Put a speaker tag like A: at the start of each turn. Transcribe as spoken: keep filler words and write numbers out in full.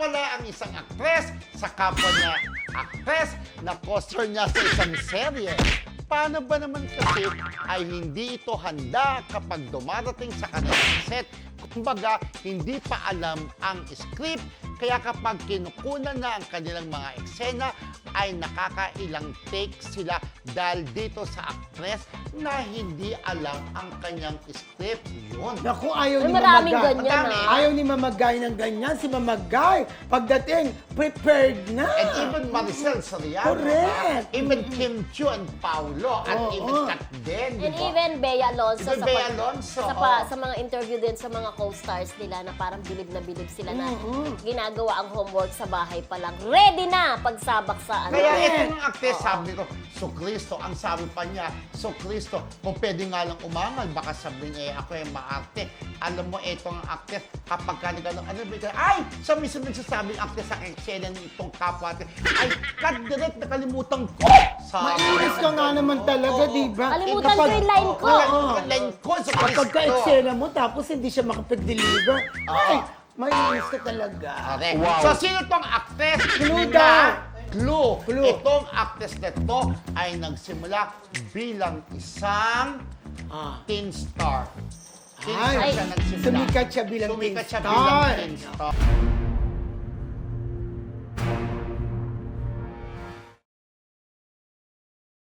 A: pala ang isang aktres sa kapwa niya aktres na co-star niya sa isang serye. Paano ba naman kasi ay hindi ito handa kapag dumarating sa kanilang set? Kumbaga, hindi pa alam ang script, kaya kapag kinukunan na ang kanilang mga eksena, ay nakakailang take sila dahil dito sa actress na hindi alam ang kanyang script. Yun.
B: Naku, ayaw
C: Ay,
B: ni
C: maraming
B: Mamagay.
C: ganyan,
A: Madami.
C: ah.
B: Ayaw ni Mamagay ng ganyan. Si Mamagay, pagdating, prepared na.
A: And even Maricel Soriano.
B: Correct.
A: diba? Even Kim Chiu and Paulo. At
B: Oo.
A: even Kat Den.
C: And
A: diba?
C: even Bea Alonso,
A: Even
C: sa,
A: Bea
C: pag-
A: Alonso,
C: sa, pa-
A: oo.
C: sa mga interview din sa mga co-stars nila na parang bilib na bilib sila na
B: Mm-mm.
C: ginagawa ang homework sa bahay pa lang. Ready na pagsabak sa ano.
A: Kaya
B: Correct.
A: ito ng actress, sabi ko, So Cristo, ang sabi pa niya, So Cristo, kung pwede nga lang umangal, baka sabihin niya, eh, ako yung maarte. Alam mo, ito ang actress, kapag ka nagano, ano ba ito? Ay! Sa mismo nagsasabing actress sa eksena ng itong kapwa natin, ay, cut direct, nakalimutan ko! Sabi
B: Mainis ka nga naman talaga, di ba?
C: Kalimutan
B: Kapag-
C: ko yung line ko.
A: Wala
B: Oo.
A: yung line ko sa
B: Kapag
A: Cristo.
B: ka-eksena mo, tapos hindi siya makapag-deliver, ay, mainis ka talaga.
A: Correct. So, sino tong actress?
B: Clue
A: na-
B: daw.
A: Clue.
B: Clue.
A: Itong actress na to ay nagsimula bilang isang
B: Ah.
A: teen star. Teen
B: Ay,
A: star siya nagsimula.
B: sumikat siya bilang
A: Sumikat
B: teen
A: siya
B: star.
A: bilang teen star.